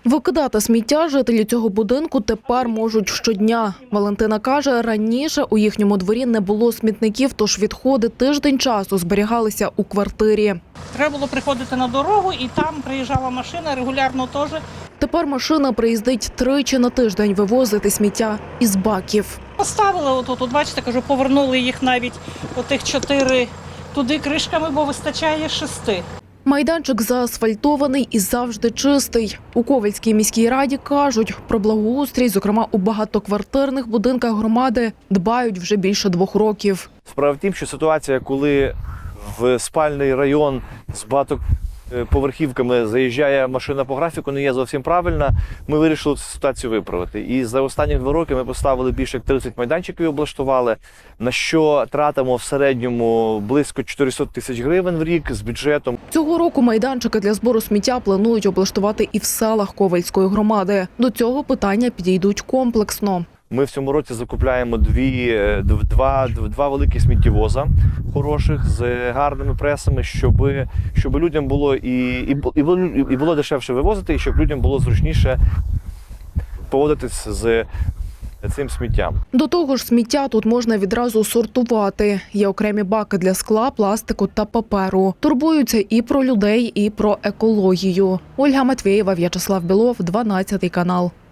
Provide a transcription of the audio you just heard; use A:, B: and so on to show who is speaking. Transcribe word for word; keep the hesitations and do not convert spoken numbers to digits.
A: Викидати сміття жителі цього будинку тепер можуть щодня. Валентина каже, раніше у їхньому дворі не було смітників, тож відходи тиждень часу зберігалися у квартирі.
B: Треба було приходити на дорогу, і там приїжджала машина регулярно теж.
A: Тепер машина приїздить тричі на тиждень вивозити сміття із баків.
B: Поставили отут, от бачите, кажу, повернули їх навіть отих чотири туди кришками, бо вистачає шести.
A: Майданчик заасфальтований і завжди чистий. У Ковельській міській раді кажуть, про благоустрій, зокрема у багатоквартирних будинках громади, дбають вже більше двох років.
C: Справа в тім, що ситуація, коли в спальний район з багатоповерхівками заїжджає машина по графіку, не є зовсім правильна. Ми вирішили цю ситуацію виправити. І за останні два роки ми поставили більше як тридцять майданчиків і облаштували, на що тратимо в середньому близько чотириста тисяч гривень в рік з бюджетом.
A: Цього року майданчики для збору сміття планують облаштувати і в селах Ковельської громади. До цього питання підійдуть комплексно.
C: Ми в цьому році закупляємо дві, два, два великі сміттєвоза хороших з гарними пресами, щоб, щоб людям було і, і, і, було, і було дешевше вивозити, і щоб людям було зручніше поводитись з цим сміттям.
A: До того ж, сміття тут можна відразу сортувати. Є окремі баки для скла, пластику та паперу. Турбуються і про людей, і про екологію. Ольга Матвєєва, В'ячеслав Білов, дванадцятий канал.